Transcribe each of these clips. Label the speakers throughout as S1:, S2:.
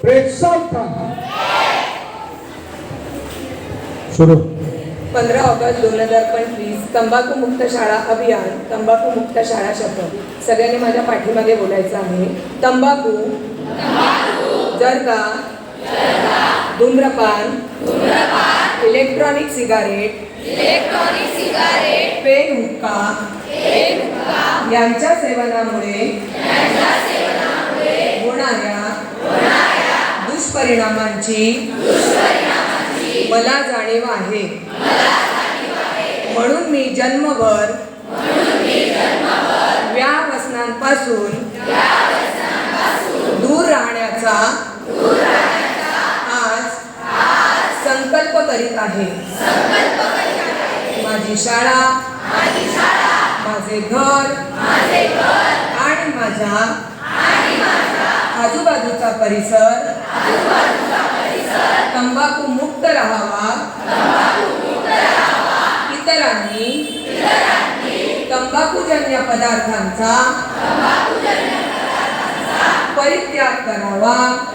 S1: बेसाल था सुरू
S2: 15 ऑगस्ट 2025 तंबाखू मुक्त शाळा अभियान, तंबाखू मुक्त शाळा शपथ. सगळ्यांनी माझ्या पाठीमागे बोलायचं आहे. तंबाखू जर का धूम्रपान, इलेक्ट्रॉनिक सिगारेट, पेन हुक्का यांच्या सेवनामुळे होणाऱ्या दुष्परिणामांची मला जाणीव आहे. म्हणून मी जन्मभर व्यसनांपासून दूर राहण्याचा आज संकल्प करीत आहे. माझी शाळा, माझे घर आणि माझ्या आजूबाजूचा परिसर तंबाखू मुक्त राहावा. इतरांनी तंबाखूजन्य पदार्थांचा परित्याग करावा.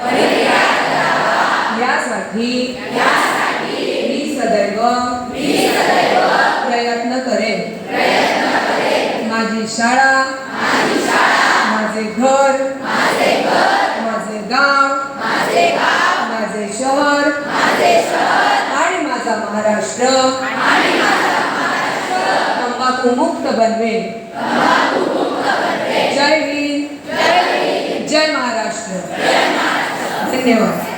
S2: यासाठी मी सदैव प्रयत्न करेन. माझी शाळा, माझे घर, माझे गाव, माझे शहर आणि माझा महाराष्ट्र तंबाखू मुक्त बनवेल. जय हिंद, जय महाराष्ट्र. धन्यवाद.